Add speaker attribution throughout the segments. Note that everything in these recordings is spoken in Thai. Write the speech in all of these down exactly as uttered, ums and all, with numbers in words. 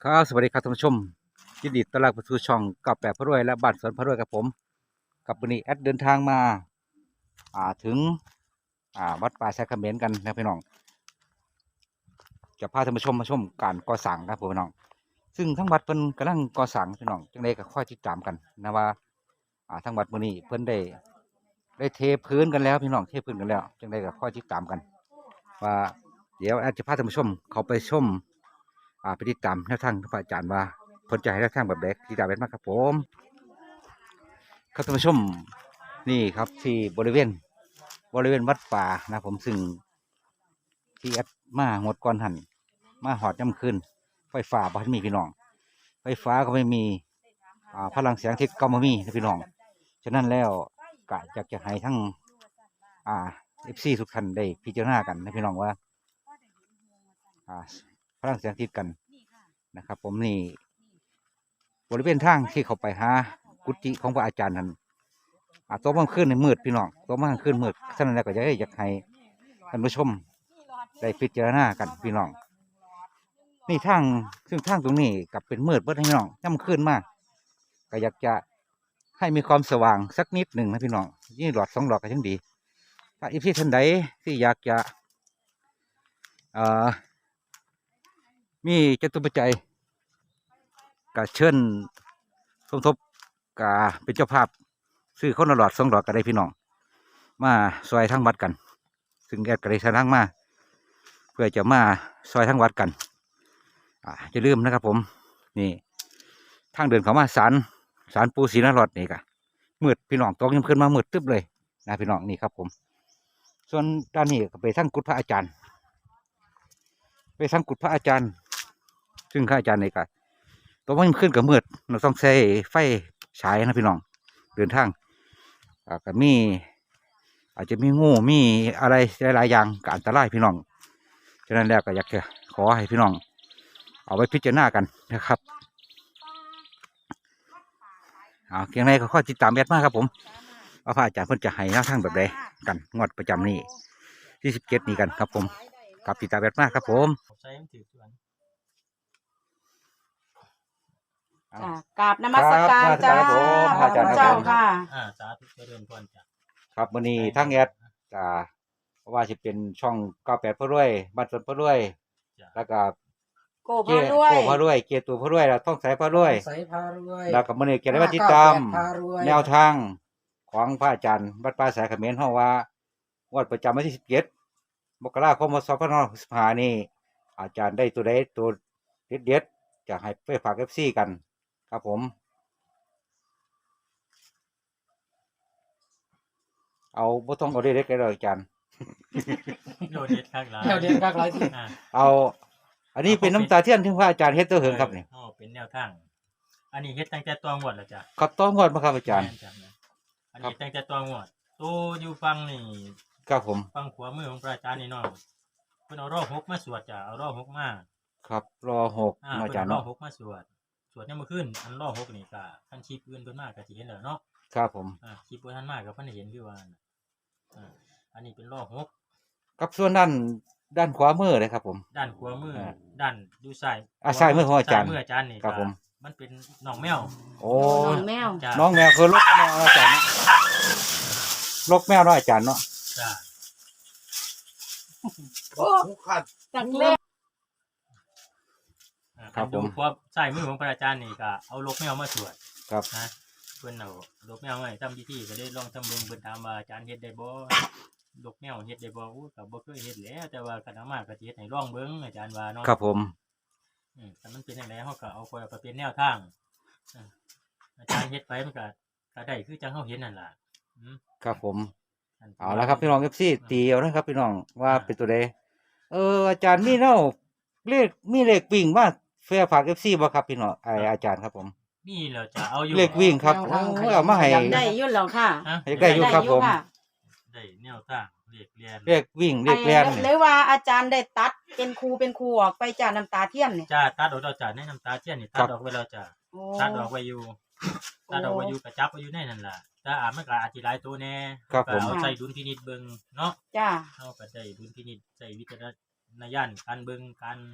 Speaker 1: ครับสวัสดีครับท่านผู้ชมยินดีต้อนรับเข้าสู่ช่องกับแปดพระรวยและบ้านสวนพระรวยกับผมกับวันนี้แอดเดินทางมาอ่าถึงอ่าวัดป่าแซคเขมรกันนะพี่น้องจะพาท่านผู้ชมมาชมการก่อสร้างครับผมพี่น้องซึ่งทั้งวัดเพิ่นกำลังก่อสร้างพี่น้องจังไดก็ค่อยติดตามกันนะว่าอ่าทั้งวัดมื้อนี้เพิ่นได้ได้เทพื้นกันแล้วพี่น้องเทพื้นกันแล้วจังไดก็ค่อยติดตามกันว่าเดี๋ยวแอดจะพาท่านผู้ชมเขาไปชม อ่าไปติดตามแนวทางพระอาจารย์ว่าเพิ่นจะให้แนวทางแบบใดติดตามเป็นมากครับผมครับท่านผู้ชมนี่ครับที่บริเวณบริเวณวัดป่านะผมซึ่งที่แอดมาหมดก่อนหันมาหอดย่ำคืนไฟฟ้าบ้านมีพี่น้องไฟฟ้าก็ไม่มีอ่าพลังเสียงที่ก็ไม่มีนะพี่น้องฉะนั้นแล้วกะอยากจะให้ทั้งอ่าเอฟซีทุกท่านได้พิจารณากันนะพี่น้องว่าอ่าพลังเสียงติดกันนะครับผมนี่บริเวณทางที่เขาไปหากุฏิของพระอาจารย์นั้นอ่าตัวมันขึ้นในมืดพี่น้องตัวมันขึ้นมืดฉะนั้นแล้วก็อยากให้อยากให้ท่านผู้ชมได้พิจารณากันพี่น้องนี่ทางซึ่งทางตรงนี้กับเป็นมืดเบิดพี่น้องย่ำขึ้นมากก็อยากจะให้มีความสว่างสักนิดหนึ่งนะพี่น้องยี่หลอดสองหลอดก็ยังดีถ้าอีพี่ท่านใดที่อยากจะอ่ามีจตุปัจจัยก็เชิญสมทบกาเป็นเจ้าภาพซื้อคนละหลอดสองหลอดก็ได้พี่น้องมาซอยทั้งวัดกันซึ่งแอดก็ได้สร้างมาเพื่อจะมาซอยทั้งวัดกันอ่าจะลืมนะครับผมนี่ทางเดินเขามาศาลศาลปูศรีนารอดนี่กะมืดพี่น้องตกยังขึ้นมามืดตึ๊บเลยนะพี่น้องนี่ครับผมส่วนด้านนี้ก็ไปทั้งกุฏพระอาจารย์ไปทั้งกุฏพระอาจารย์ซึ่งพระอาจารย์นี่กะตัวมันขึ้นกับมืดเราต้องใช้ไฟฉายนะพี่น้องเดินทางอ่าก็มีอาจจะมีงูมีอะไรหลายๆอย่างก็อันตรายพี่น้องฉะนั้นแล้วก็อยากจะขอให้พี่น้องเอาไว้พิจารณากันนะครับเอาเกียงในก็ข้อติดตามแอดมากครับผมว่าพระอาจารย์เพิ่นจะให้แนวทางแบบใดกันงวดประจำนี้ที่สิบเจ็ดนี้กันครับผมกับติดตามแอดมากครับผม
Speaker 2: จ้ากราบนมัสการจ้า
Speaker 1: ครับผมพระอาจารย์
Speaker 2: เจ้าค่ะ
Speaker 3: อ่าสาธุเจริญพรจ้ะ
Speaker 1: ครับวันนี้ทั้งแอดอ่าเพราะว่าจะเป็นช่องเก้าแปดพระรวยบ้านสวนพระรวย
Speaker 3: จ้ะ
Speaker 1: แล้วก็
Speaker 2: โกพาด้วย
Speaker 1: โก้พระรวยเกียรติตัวพระรวยแล้วต้องใส่พระรวย
Speaker 4: ใส่พารวย
Speaker 1: แล้วก็มันนี่เกียรติวัติดตาม
Speaker 4: พารวย
Speaker 1: แนวทางของพระอาจารย์วัดป่าสายเขมรเฮาว่างวดประจำวันที่สิบเจ็ดมกราคมสองพันห้าร้อยหกสิบห้านี่อาจารย์ได้ตัวใดตัวเด็ดเด็ดๆจะให้ไปฝากเอฟซีกันครับผมเอาบ่ต้องเอาเด็ดๆกันเลยอาจารย์
Speaker 3: โดดเด็ดข้างหลัง
Speaker 4: แนวเดียนกักหลายที่
Speaker 3: อ่า
Speaker 1: เอาอันนี้เป็นน้ำตาเทียนที่พระอาจารย์เฮ็ดตัวเหิงครับนี่
Speaker 3: อ๋อเป็นแนวทาง อันนี้เฮ็ดตั้งแต่ตัวงวดแล้วจ้ะ
Speaker 1: ครับต้องงวดมาครับอาจารย์
Speaker 3: แม่นจ้ะอันนี้ตั้งแต่ตัวงวดตัวอยู่ฟังนี่
Speaker 1: ครับผม
Speaker 3: ฟังขวามือของพระอาจารย์นี่เนาะเพิ่นเอารอบหกมาสวดจ้ะเอารอบหกมา
Speaker 1: ครับรอหก
Speaker 3: อ่า
Speaker 1: อา
Speaker 3: เพิ่น
Speaker 1: จารย์
Speaker 3: เอารอ
Speaker 1: เนาะ
Speaker 3: บหกมาสวดสวดเนี่ยามมื้อคืนอันรอบหกนี่ก็ท่านชีพอื่นเพิ่นมาก็สิเห็นแล้วเนาะ
Speaker 1: ครับผม
Speaker 3: อ่าชีพบ่ทันมาก็เพิ่นเห็นคือว่าน่ะอ่าอันนี้เป็นรอบหก
Speaker 1: ครับส่วนด้านด้านขวามือเลยครับผม
Speaker 3: ด้านขวามืออา ด้านดูซ้าย
Speaker 1: อ่าซ้ายมือของอาจารย์
Speaker 3: ซ้มืออาจารย์นี่
Speaker 1: ครับผม
Speaker 3: มันเป็นน้องแมว
Speaker 1: โอ้
Speaker 2: น้องแมว
Speaker 3: จ้ะ
Speaker 1: น้องแมวคือลกแมวเนาะอาจารย์เนาะลกแมวเนาะอาจารย์เนาะ
Speaker 3: จ้ะ
Speaker 2: จากเล่น
Speaker 3: อ่าดูเพราะใส่มือของพระอาจารย์นี่ก็เอาลกแมวมาสวด
Speaker 1: ครับ
Speaker 3: นะเพิ่นเอาลกแมวมาให้ทำพิธีก็ได้ลองทำเบิ่งเพิ่นถามว่าอาจารย์เฮ็ดได้บ่ลกแมวเฮ็ดได้บ่อู้ก็บ่เคยเฮ็ดแหล้วแต่ว่าคันเอามาก็สิเฮ็ดให้ลองเบิ่งอาจารย์ว่าเนาะ
Speaker 1: ครับผม
Speaker 3: อืมแต่มันเป็นจังไดเฮาก็เอาไปเอาไปเป็นแนวทางอ่าอาจารย์เฮ็ดไปมันก็ก็ได้คือจังเฮาเห็นนั่นล่ะอืม
Speaker 1: ครับผม
Speaker 3: อันที่
Speaker 1: เอาละครับพี่น้องเอฟซีตีเอานะครับพี่น้องว่าเป็นตัวใดเอออาจารย์มีเนาะเลขมีเลขวิ่งมาแฟร์ฝากเอฟซีบ่ครับพี่น้องไออาจารย์ครับผม
Speaker 3: นี่เราจะเอาอยู่
Speaker 1: เลขวิ่งครับโอ้ยเอามาให้
Speaker 2: ได้อยุ่นแล้วค่ะ
Speaker 3: ฮะ
Speaker 1: ให้ได้อยู่ครับผม
Speaker 2: ได้
Speaker 3: ได้แนวทางเลขเรียน
Speaker 1: เลขวิ่งเล
Speaker 2: ไอ้
Speaker 1: ขแล่น
Speaker 2: หรือว่าอาจารย์ได้ตัดเป็นครูเป็นครูออกไปจากน้ำตาเทียนเนี่ย
Speaker 3: จ้าตัดออกเราจ้าในน้ำตาเทียนนี่ตัดออกไว้แล้วจ้า
Speaker 2: โอ้
Speaker 3: ตัดออกไว้อยู่ตัดออกไว้อยู่กระจับไว้อยู่ในนั่นล่ะแต่อาจมันก็อธิบายตัวแน่
Speaker 1: ครับผม
Speaker 3: ก็เอาใส่ดุลพินิจเบิ่งเนาะ
Speaker 2: จ้า
Speaker 3: เฮาก็ได้ดุลพินิจใส่วิจารณญาณการเบิ่งการ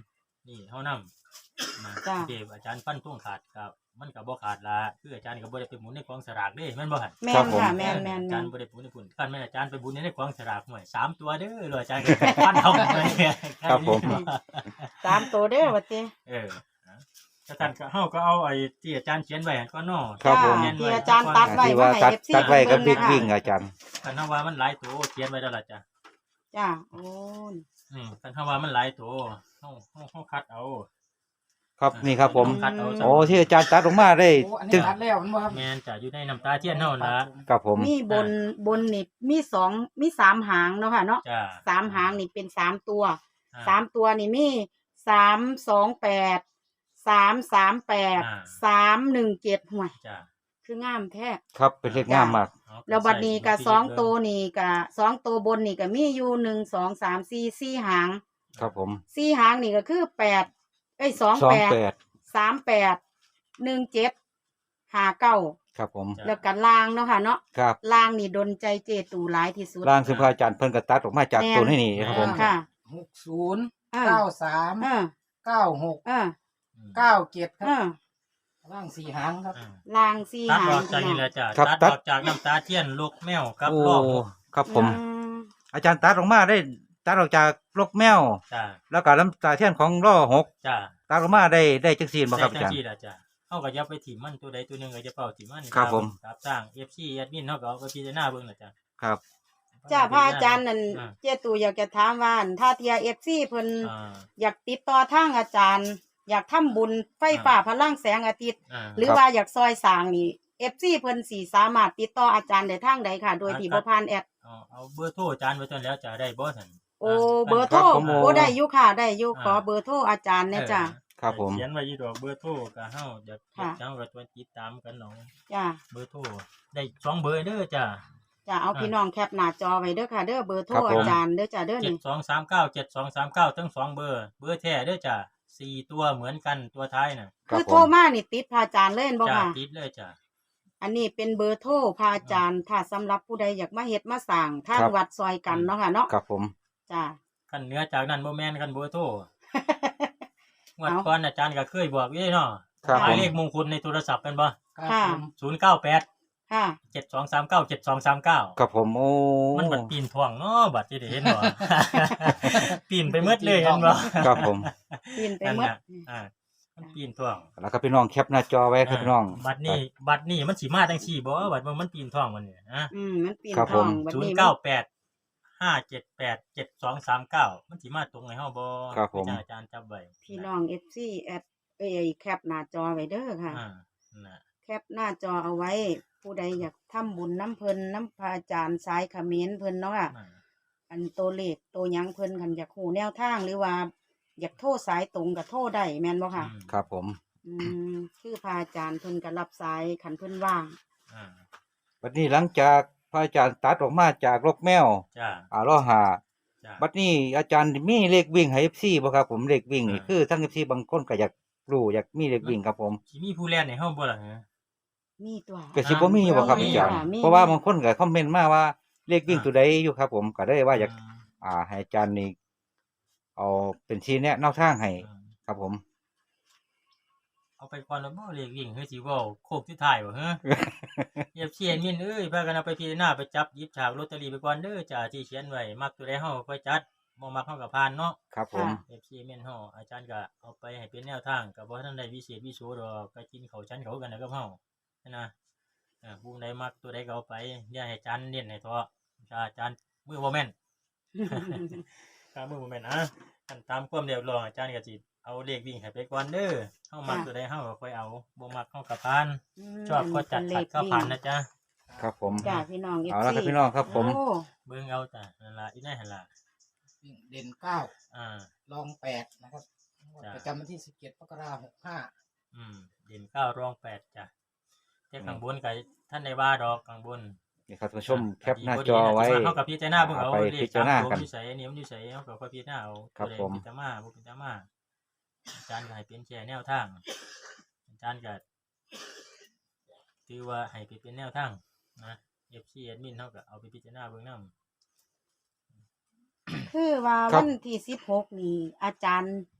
Speaker 3: นี่เฮานำนะ
Speaker 2: จ้ะ
Speaker 3: เทพอาจารย์ฟันธงขาดก็มันก็บ่ขาดละคืออาจารย์ก็บ่ได้ไปหมุนในกองสลากเด้แม่นบ่หั่น
Speaker 2: แม่
Speaker 1: ครับ
Speaker 2: น
Speaker 1: ผม
Speaker 2: ค่ะแม่นแม่น
Speaker 3: อา
Speaker 2: แม่
Speaker 3: จาร
Speaker 2: น
Speaker 3: ย์บ่ได้หมุนในพุ่นคันแม่นอาจารย์ไปบุญในกองสลากหน่วยสามตัวเด้อเลยอาจารย์ก็ฟันเอาเลย
Speaker 1: ครับผม
Speaker 2: สามตัวเด้อว่าติ
Speaker 3: เออถ้าท่านก็เฮาก็เอาไอ้ที่อาจารย์เขียนไว้ก็เนาะ
Speaker 1: ครับผม
Speaker 2: จ้าที่อาจารย์ตัดไว้
Speaker 1: ที่ว่า
Speaker 2: ให้
Speaker 1: ตัด
Speaker 2: เอฟซี
Speaker 1: ตัดไว้กับ
Speaker 2: เบิ่
Speaker 1: บิ๊
Speaker 2: ง
Speaker 1: ก
Speaker 2: นะคะ
Speaker 1: วิ่งอาจารย์
Speaker 3: คันเฮาว่ามันหลายตัวเขียนไว้แล้วล่ะจ้ะ
Speaker 2: จ้าโอ้ย
Speaker 3: อืมคันเฮาว่ามันหลายตัวเฮาเฮาเฮาคัดเอา
Speaker 1: ครับนี่ครับผม
Speaker 3: คัดเอา
Speaker 1: โอ้ที่อาจารย์ตัดออกมาได้
Speaker 4: โอ้อัน
Speaker 1: จึ
Speaker 4: นี้
Speaker 1: ง
Speaker 4: ตัดแล้วมันบ่ครับ
Speaker 3: แม่นจะอยู่ในน้ำตาเทียนเฮาล่ะ
Speaker 1: ครับผม
Speaker 2: มีบนบนนี่มีสองมีสามหางเนาะค่ะเนาะ
Speaker 3: จ้า
Speaker 2: สามหางนี่เป็นสามตัว
Speaker 3: อ่
Speaker 2: สามตัวนี่มีสามสองแปดสามสามแปด
Speaker 3: อ่า
Speaker 2: สามหนึ่งเจ็ดห่วย
Speaker 3: จ้า
Speaker 2: คืองามแท้
Speaker 1: ครับเป็นเลขงามมาก
Speaker 3: เอาไป
Speaker 2: แล้วบัดนี้ก็
Speaker 3: ใส่
Speaker 2: สองตัวนี่ก็สองตัวบนนี่ก็มีอยู่หนึ่งสองสามสี่สี่หาง
Speaker 1: ครับผม
Speaker 2: สี่หางนี่ก็คือแปดเอ้ยสอง
Speaker 1: สอง
Speaker 2: แปด
Speaker 1: แปด
Speaker 2: สามแปดหนึ่งเจ็ดห้าเก้า
Speaker 1: ครับผม
Speaker 3: จ้ะ
Speaker 2: แล้วกันล่างเนาะค่ะเนาะ
Speaker 1: ครับ
Speaker 2: ล่างนี่ดนใจเจตูหลายที่สุด
Speaker 1: ร่างซึ่งพระอาจารย์เพิ่นก็ตัดออกมาจาก
Speaker 2: แม่น
Speaker 1: ตัวนี้นี่ครับผม
Speaker 2: ค่ะ
Speaker 4: หกศูนย์
Speaker 2: อ่า
Speaker 4: เก้าสาม
Speaker 2: อ่า
Speaker 4: เก้าหก
Speaker 2: อ่า
Speaker 3: อืม
Speaker 4: เก้าเจ็ดครั
Speaker 2: อ่า
Speaker 4: บร่างสี่หางครับ
Speaker 3: อ่า
Speaker 2: ล่างสี่
Speaker 3: ตัด
Speaker 2: หา
Speaker 3: อง อกจากนี่แหละจ้ะ
Speaker 1: ครับ
Speaker 3: ตัด
Speaker 1: ตัด
Speaker 3: ออกจากน้ำตาเทียนลูกแมวกับ
Speaker 1: โอ้
Speaker 3: รอบหก
Speaker 1: ครับผม
Speaker 2: อืม
Speaker 1: อาจารย์ตัดออกมาได้ตัดออกจากลกแมว
Speaker 3: จ้า
Speaker 1: แล้วก็ลำตาเทียนของล่อหก
Speaker 3: จ้า
Speaker 1: ตัดออกมาได้ได้จังซีนบ่ครับ
Speaker 3: ใส่
Speaker 1: อา
Speaker 3: จั
Speaker 1: จาง รย์
Speaker 3: ซี่ล่ะจ้ะเฮาก็อย่าไปถิ่มมันตัวใดตัวหนึงก็จะเป่าถิ่มมัน
Speaker 1: ครับผม
Speaker 3: ครับสร้าง เอฟ ซี แอดมินเฮาก็เอาไปพิจารณาเบิ่งล่ะจ้ะ
Speaker 1: ครับ
Speaker 2: จ้าพระอาจารย์นั่น
Speaker 3: อ่า
Speaker 2: เจตูอยากจะถามว่าอั่นถ้าเทียเอฟซีเพิ่น
Speaker 3: อ่า
Speaker 2: อยากติดต่อทางอาจารย์ อยากทำบุญไฟฟ้าพลังแสงอาทิตย์
Speaker 3: อ่า
Speaker 2: หรือ
Speaker 1: ครับ
Speaker 2: ว่าอยากซอยสร้างนี่เอฟซีเพิ่นสีสามารถติดต่ออาจารย์ได้ทางใดค่ะ โดยที่บ่ผ่านแอด
Speaker 3: เอาเอาเบอร์โทรอาจารย์ไว้ตอนแล้วจะได้บ่ซั่น
Speaker 2: โอ้
Speaker 3: า
Speaker 2: เบอร์โทร
Speaker 1: ครับผม
Speaker 2: โอ้ได้อยู่ค่ะได้อยู่
Speaker 3: อ่า
Speaker 2: ขอเบอร์โทรอาจารย์เนี่ยจ้ะ
Speaker 1: ครับผม
Speaker 3: เขียนไว้อยู่ดอกเบอร์โทรก็เฮาอยาก
Speaker 2: ค่ะ
Speaker 3: เจ้าก็ตัวติดตามกันเนาะ
Speaker 2: จ้ะ
Speaker 3: เบอร์โทรได้สองเบอร์เด้อจ้ะ
Speaker 2: จ้ะเอา
Speaker 3: อ่า
Speaker 2: พี่น้องแคปหน้าจอไว้เด้อค่ะ เด้อเบอร์โทร
Speaker 1: ครับผม
Speaker 2: อาจารย์เด้อจ้ะเด้อ
Speaker 3: เจ็ด
Speaker 2: นี่
Speaker 3: สองสามเก้าเจ็ดสองสามเก้าทั้งสองเบอร์ เบอร์แท้เด้อจ้ะสี่ตัวเหมือนกันตัวท้ายน่ะ
Speaker 1: ครั
Speaker 2: คื
Speaker 1: บ
Speaker 2: อ
Speaker 1: ผ
Speaker 2: โทร
Speaker 1: ม
Speaker 2: มานี่ติดพระอาจารย์เล่นบ่
Speaker 3: จ้ะ
Speaker 2: ค่ะ
Speaker 3: ติดเลยจ้ะ
Speaker 2: อันนี้เป็นเบอร์โทรพระอาจารย์ ถ้าสำหรับผู้ใดอยากมาเฮ็ดมาสร้างทาง
Speaker 1: ครับ
Speaker 2: วัดซอยกันเนาะค่ะเนาะ
Speaker 1: ครับผม
Speaker 2: จ้ะ
Speaker 3: คันเหนือจากนั้นบ่แม่นคันเบอร์โทร งวด
Speaker 2: เอา
Speaker 3: ก่อนอาจารย์ก็เคยบอกอยู่เนาะ
Speaker 1: ครับ
Speaker 3: ห
Speaker 1: ผม
Speaker 3: มายเลขมงคลในโทรศัพท์เป็นบ่
Speaker 4: ครับ
Speaker 2: ค่ะ
Speaker 4: ผม
Speaker 3: ศูนย์เก้าแปด
Speaker 2: ค่ะ
Speaker 3: เจ็ดสองสามเก้าเจ็ดสองสามเก้า
Speaker 1: ครับผมโอ้
Speaker 3: มันบัดปีนท่วงเนาะบัดที่ได้เห็นบ่ ปีนไปหมดเลยเห็นบ่
Speaker 1: ครับผม
Speaker 2: ปีนไป
Speaker 3: นั่น
Speaker 2: หมด
Speaker 3: น่ะอ่ามันปีนท่วง
Speaker 1: แล้วครับพี่น้องแคปหน้าจอไว้ครับพี่น้อง
Speaker 3: บัดนี้บัดนี้มันสิมาจังซี่บ่บัดว่ามันปีนท่วงมันเนี่ยฮะ
Speaker 2: อืมมันปีน
Speaker 1: ครับ
Speaker 2: ทอง
Speaker 1: ผม
Speaker 2: บัด
Speaker 3: ศูน
Speaker 2: นี้
Speaker 3: ย์
Speaker 2: มัน
Speaker 3: เก้าแปดห้าเจ็ดแปดเจ็ดสองสามเก้ามันสิมาตรงให้เฮาบ่
Speaker 1: ครับผม
Speaker 3: อาจารย์จับไว้
Speaker 2: พี่น้อง เอฟ ซี แอดเอ้ยแคปหน้าจอไว้เด้อค่ะ
Speaker 3: อ่านั่นน่ะ
Speaker 2: แคปหน้าจอเอาไว้ ผู้ใดอยากทำบุญน้ำเพิ่นน้ำพระอาจารย์สายเขมรเพิ่นเนาะค่ะ
Speaker 3: อ่า
Speaker 2: อันตัวเลขตัวหยังเพิ่นคันอยากหูแนวทางหรือว่า อยากโทรสายตรงกับโทรได้แม่นบ่ค่ะ
Speaker 3: อืม
Speaker 1: ครับผม
Speaker 2: อืมคือพระอาจารย์เพิ่นก็รับสายคันเพิ่นว่าง
Speaker 3: อ่า
Speaker 1: บัดนี้หลังจากพระอาจารย์ตัดออกมาจากลกแมว
Speaker 3: จ้า
Speaker 1: อ่าล่อหา
Speaker 3: จ้า
Speaker 1: บัดนี้อาจารย์มีเลขวิ่งให้ เอฟ ซี บ่ครับผมเลขวิ่งนี่
Speaker 3: อ่า
Speaker 1: คือทั้ง เอฟ ซี บางคนก็อยากรู้อยากมีเลขวิ่งครับผม
Speaker 3: สิมีผู้แล่นให้เฮาบ่ล่ะฮะ
Speaker 2: มีตัว
Speaker 1: ก็สิบ่มีบ่ครับ
Speaker 2: มี
Speaker 1: อาจารย์
Speaker 2: ค่ะมี
Speaker 1: เพราะว่าบางคนก็คอมเมนต์มาว่าเลขวิ่ง
Speaker 3: อ่า
Speaker 1: ตัวใดอยู่ครับผมก็เลยว่าอยาก
Speaker 3: ม
Speaker 1: อ่าให้อาจารย์นี่เอาเป็นชี้แนะแนวทางให้
Speaker 3: อืม
Speaker 1: ครับผม
Speaker 3: เอาไปก่อนแล้วบ่เรียกวิ่งเฮ้ยสิเว้าโคกที่ท้ายบ่ฮะ เอฟซีแอดมินเอ้ยพากันเอาไปพิจารณาไปจับหยิบฉากลอตเตอรี่ไปก่อนเด้อจ้าที่เขียนไว้มักตัวใดเฮาค่อยจัดบ่มักเฮาก็ผ่านเนาะ
Speaker 1: ครับผม
Speaker 2: ค่ะ
Speaker 3: เอฟซีแม่นเฮาอาจารย์ก็เอาไปให้เป็นแนวทางก็บ่ทันได้วิเศษวิโสดอกก็กินข้าวชั้นเขากันนะกับเฮานะอ่าผู้ใดมักตัวใดก็เอาไปอย่าให้อาจารย์เน้นให้เถาะถ้าอาจารย์มือบ่แม่น ถ้ามือบ่แม่นอ่ะคันตามความเรียบร้อยอาจารย์ก็สิเอาเลขวิ่งให้ไปก่อนเด้อเฮามัก
Speaker 2: ค่ะ
Speaker 3: ตัวใดเฮาก็ค่อยเอาบ่มักเฮาก็ผ่าน
Speaker 2: ม
Speaker 3: ชอบก็จัดขัดก็ผ่านนะจ๊ะ
Speaker 1: ครับผม
Speaker 2: จ้าพี่น้อง เอฟ
Speaker 1: เอา
Speaker 2: ซี
Speaker 1: ละครับพี่น้องครับผม
Speaker 2: โอ้
Speaker 3: เบิ่งเอาจ้ะนั่นล่ะอีนั่นหั่นล่ะ
Speaker 4: เด่นเก้า
Speaker 3: อ่า
Speaker 4: รองแปดนะครับประจำวันที่สิบเจ็ดมกราคมหกห้า
Speaker 3: อืมเด่นเก้ารองแปดจ้ะแต่ข้างบนก็ท่านได้ว่าดอกข้างบน
Speaker 1: นี่ครับท่านผู้ชมแคปหน้าจอไว้
Speaker 3: เฮากับพิจารณาเบิ่งเอา
Speaker 1: ไป
Speaker 3: เล
Speaker 1: พิ
Speaker 3: ข
Speaker 1: จารณากัน
Speaker 3: สมตัวอยู่ไสนี่มันอยู่ไสเฮาก็ค่อยพิจารณาเอา
Speaker 1: ครับ
Speaker 3: ตัวใด
Speaker 1: ผม
Speaker 3: พิจารณาบ่พิจารณาอาจารย์ก็ให้เป็นแค่แนวทางอาจารย์ก็ถือว่าให้ไปเป็นแนวทางนะ เอฟ ซี แอดมินเฮาก็เอาไปพิจารณาเบิ่งนำ
Speaker 2: คือว่า
Speaker 1: ครั
Speaker 2: วั
Speaker 1: บ
Speaker 2: นที่สิบหกนี่อาจารย์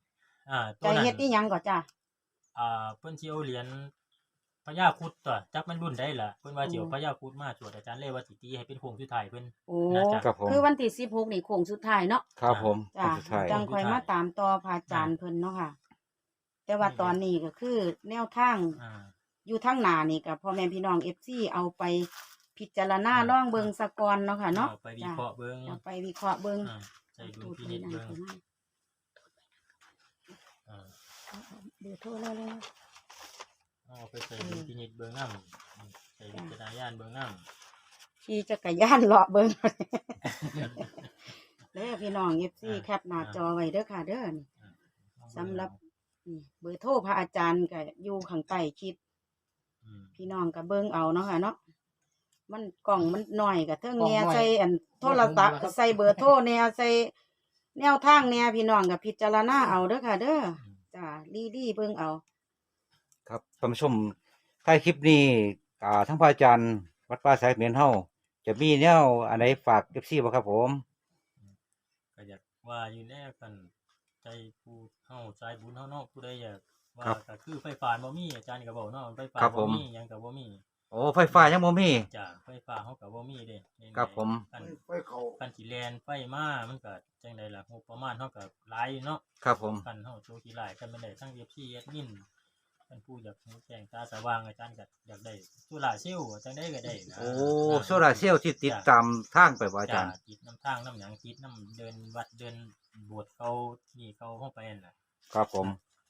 Speaker 3: อ่าตั
Speaker 2: จะ
Speaker 3: วนั้น
Speaker 2: เฮ็ดอีหยังก่อนจ้ะ
Speaker 3: อ่าเพิ่นสิเอาเหรียญพญาครุฑตัวจักมันรุ่นใดล่ะเพิ่นว่าสิเอาพญาครุฑมาสวดอาจารย์เลยว่าสิตีให้เป็นโค้งสุดท้ายเพิ่น
Speaker 2: โอ้
Speaker 3: น่าจะ
Speaker 1: ครับผม
Speaker 2: คือวันที่สิบหกนี่โค้งสุดท้ายเนาะ
Speaker 1: ครับผม
Speaker 2: จ้ะ
Speaker 1: สุดท้าย
Speaker 2: จังค่อยมาตามต่อพระอาจารย์เพิ่นเนาะค่ะ แต่ว่าตอนนี้ก็คือแนวทาง
Speaker 3: อ่า
Speaker 2: อยู่ทางหน้านี่ก็พ่อแม่พี่น้อง เอฟ ซี เอาไปพิจารณา
Speaker 3: อ่า
Speaker 2: ลองเบิ่งซะก่อนเนาะค่ะเนาะ
Speaker 3: เอาไปวิเคราะห์เบิ่ง
Speaker 2: จ้ะเอาไปวิเคราะห์เบิ่ง
Speaker 3: อ่าใส่ดุลพินิจเบิ่งอ่า
Speaker 2: เดี๋ยวโทรแล้วเลย
Speaker 3: เอาไปใส่ดุลพินิจเบิ่งนำใส่วิจารณญาณเบิ่งนำ
Speaker 2: ขี่จักรยานเลาะเบิ่ง เด้อพี่น้อง เอฟ ซี แคปหน้าจอไว้เด้อค่ะเด้อนี่สำหรับนี่เบอร์โทรพระอาจารย์ก็อยู่ข้างใต้คลิป
Speaker 3: อืม
Speaker 2: พี่น้องก็เบิ่งเอาเนาะค่ะเนาะมันกล่องมันน้อยก็เทิงแหน่
Speaker 4: กล่องน้อย
Speaker 2: ใส่อันโทรศัพท์
Speaker 4: บ่ถึงแล้วครับ
Speaker 2: ใส่เบอร์โทรแหน่ใส่แนวทางแหน่พี่น้องก็พิจารณาเอาเด้อค่ะ เด้อจ้าลี่ๆเบิ่งเอา
Speaker 1: ครับท่านผู้ชมท้ายคลิปนี้อ่าทั้งพระอาจารย์วัดป่าสายเมียนเฮาจะมีแนวอันไหนฝาก เอฟ ซี บ่ครับผม
Speaker 3: ก็อยากว่าอยู่แน่กันใจผู้เฮาใจบุญเฮาเนาะผู้ใดอยากว่า
Speaker 1: ครับ
Speaker 3: ก็คือไฟฟ้าบ่มีอาจารย์ก็บอกเนาะไฟฟ้า
Speaker 1: ครับผ
Speaker 3: บ่
Speaker 1: ม
Speaker 3: มีหยังก็บ่มี
Speaker 1: โอ้ไฟฟ้ายังบ่มี
Speaker 3: จ้ะไฟฟ้าเฮาก็บ่มีเด้
Speaker 1: ครับผม
Speaker 3: คัน
Speaker 4: ไฟเขา
Speaker 3: คันสิแลนไฟมามันก็จังไดล่ะงบประมาณเฮาก็หลายอยู่เนาะ
Speaker 1: ครับผม
Speaker 3: คันเฮาโชว์ขี้หลายกันแม่นได้ทั้ง เอฟ ซี แอดมินท่านผู้อยากรู้แจ้งตาสว่างอาจารย์ก็อยากได้โซล่าร์เซลล์จังได๋ก็ได้นะ
Speaker 1: โอ้โซลาร์เซลล์ที่ติดตามทางไปบ่อาจารย์
Speaker 3: จ้ะติดน้ำทางน้ำหยังติดน้ำเดินวัดเดินโบสถ์เขานี่เขาเข้าไปนั่นน่ะ
Speaker 1: ครับผม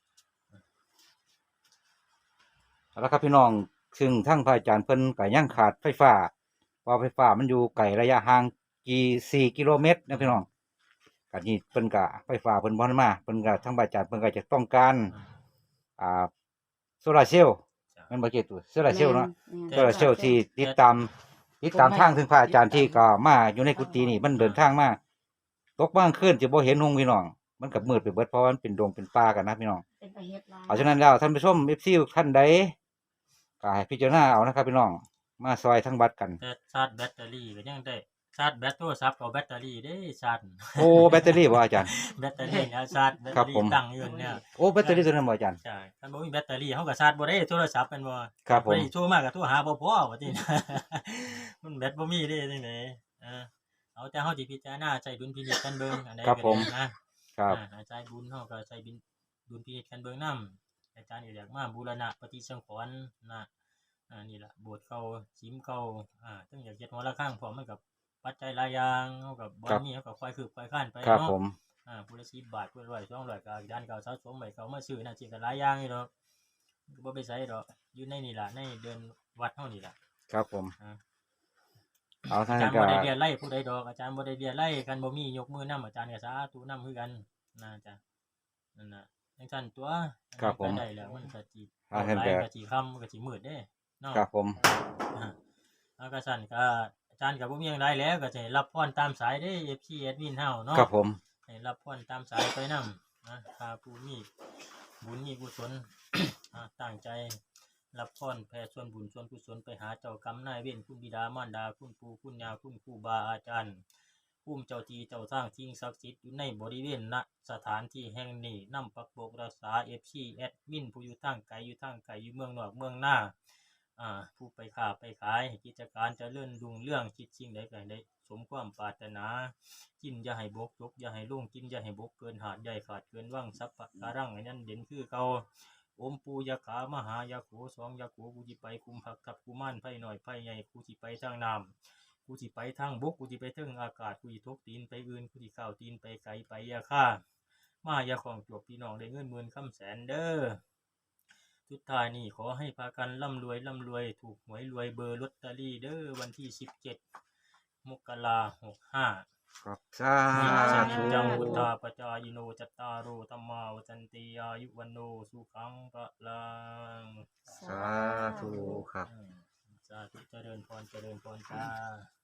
Speaker 1: เอาละครับพี่น้องซึ่งทั้งพระอาจารย์เพิ่นก็ยังขาดไฟฟ้าเพราะไฟฟ้ามันอยู่ไกลระยะห่างกี่สี่กิโลเมตรนะพี่น้องก็นี่เพิ่นก็ไฟฟ้าเพิ่นบ่ทันมาเพิ่นก็ทั้งพระอาจารย์เพิ่นก็จะต้องการ อ่าโซลาร์เซลล์
Speaker 3: จ้ะ
Speaker 1: แมันบ่เกี่ยวตัวโซลาร์เซลล์เนาะ
Speaker 2: แม่น
Speaker 1: โซลาร์เซลล์ที่ติดตามติดตามทางถึงพระอาจารย์ที่ก็มาอยู่ในกุฏินี่มันเดินทางมาตกบ้างขึ้นจะบ่เห็นหงพี่น้อง มันก็มืดไปเบิดเพราะว่ามันเป็นดงเป็นป่ากันนะพี่น้อง
Speaker 2: เป็นไปเฮ็ดลาย
Speaker 1: เพราะฉะนั้นแล้วท่านผู้ชม เอฟ ซี ท่านใดก็ให้พิจารณาเอานะครับพี่น้องมาซอยทั้งบัดกัน
Speaker 3: แต่ชาร์จแบตเตอรี่ก็ยังได้ชาร์จแบตโทรศัพท์กับแบตเตอรี่ได้ชาร์จ
Speaker 1: โอ้แบตเตอรี่บ่อาจารย์
Speaker 3: แบตเตอรี่เนี่ยชาร์จแบต
Speaker 1: ครั
Speaker 3: เตอบ
Speaker 1: ผม
Speaker 3: รี่ตั้งอยู่เนี่ย
Speaker 1: โอ้แบตเตอรี่ตัวนั้นบ่อาจารย์
Speaker 3: ใช่คันบ่มีแบตเตอรี่เฮาก็ชาร์จบ่ได้โทรศัพท์แม่นบ่
Speaker 1: ครับผม
Speaker 3: บ่ได้โทรมาก็โทรหาบ่พอว่าติ มันแบตบ่มีเด้จังได๋เออเอาแต่เฮาสิพิจารณาใช้ดุลพินิจกันเบิ่งอันใด
Speaker 1: ครับ
Speaker 3: ก็
Speaker 1: ผม
Speaker 3: ได้นะครับ อ่าอาจารย์บุญเฮาก็ใช้บินดุลพินิจกันเบิ่งนํอาจารย์ก็อยากมาบูรณะปฏิสังขรณ์นะอ่านี่ล่ะโบสถ์เก่าชิมเก่าอ่าถึงอยากเฮ็ดหัวละข้างพร้อมมันกับปัจจัยหลายอย่างเฮาก็บ่มีเฮาก็ค่อยคืบค่อยคร้านไป
Speaker 1: ครับ
Speaker 3: เนาะ
Speaker 1: ผม
Speaker 3: อ่าผู้ละสิบบาทผู้ละร้อยสองร้อยก็ด้านเก่าสะสมไว้เขามาซื้อน่ะสิก็หลายอย่างอยู่ดอกก็บ่ไปไสดอกอยู่ในนี่ล่ะในเดือนวัดเฮานี่ล่ะ
Speaker 1: ครับผม
Speaker 3: อ่า
Speaker 1: เอาท่า
Speaker 3: อาน จารย์
Speaker 1: ก็
Speaker 3: บ่ได้เรียนไล่ผู้ใดดอกอาจารย์บ่ได้เรียนไล่กันบ่มียกมือนำอาจารย์ก็สาธุนำคือกันนะจ้ะนั่นน่ะจังซั่นตัว
Speaker 1: ครับผม
Speaker 3: ไปได้แล้วมันก็สิ
Speaker 1: เอาท่าน
Speaker 3: หลาย
Speaker 1: ก็
Speaker 3: ก็สิค่ำก็สิมืดเด้เนาะ
Speaker 1: ครับผม
Speaker 3: อ่าแล้วก็สั่นก็อาจารย์ก็บ่มีหยังหลายแล้วก็จะให้รับพรตามสายเด้ เอฟ ซี แอดมินเฮาเนาะ
Speaker 1: ครับผม
Speaker 3: ให้รับพรตามสายไปนำนะถ้าผู้มีบุญมีกุศล อ่าตั้งใจรับพรแผ่ส่วนบุญส่วนกุศลไปหาเจ้ากรรมนายเวรคุณบิดามารดาคุณปู่คุณย่าคุณครูบาอาจารย์ภูมิเจ้าที่เจ้าทางสิ่งศักดิ์สิทธิ์อยู่ในบริเวณณสถานที่แห่งนี้นำปักบกรักษา เอฟ ซี แอดมินผู้อยู่ทางไกลอยู่ทางไกลอยู่เมืองนอกเมืองหน้าอ่าผู้ไปค้าไปขายให้กิจการเจริญรุ่งเรืองคิดสิ่งใดก็ให้ได้สมความปรารถนา กินอย่าให้บกจกอย่าให้ลุ่งกินอย่าให้บกเกินหาดใหญ่ขาดเกินว่างสัพพะการังให้นั่นเด่นคือเก่าอมปูยาขามหายาโขสองยาโขกูจิไปคุมผักทับกูม่านไผ่หน่อยไผ่ใหญ่กูจิไปทางน้ำกูจิไปทางบกกูจิไปทางอากาศกูจิทกตีนไปอื่นกูจิข้าวตีนไปไกลไปยาค่ามายาของจบพี่น้องได้เงินหมื่นคำแสนเด้อสุดท้ายนี่ขอให้พากันร่ำรวยร่ำรวยถูกหวยรวยเบอร์ลอตเตอรี่เด้อวันที่สิบเจ็ดมกราหกห้า
Speaker 1: ครับสา
Speaker 3: นิจจานิ
Speaker 1: ธุ
Speaker 3: จังวุฒาปจายโนจัตตารโอธัมมาวัจันติอายุวันโนสุขังพลัง
Speaker 1: สาธุครับ
Speaker 3: อืมสาธุเจริญพรเจริญพรจ้า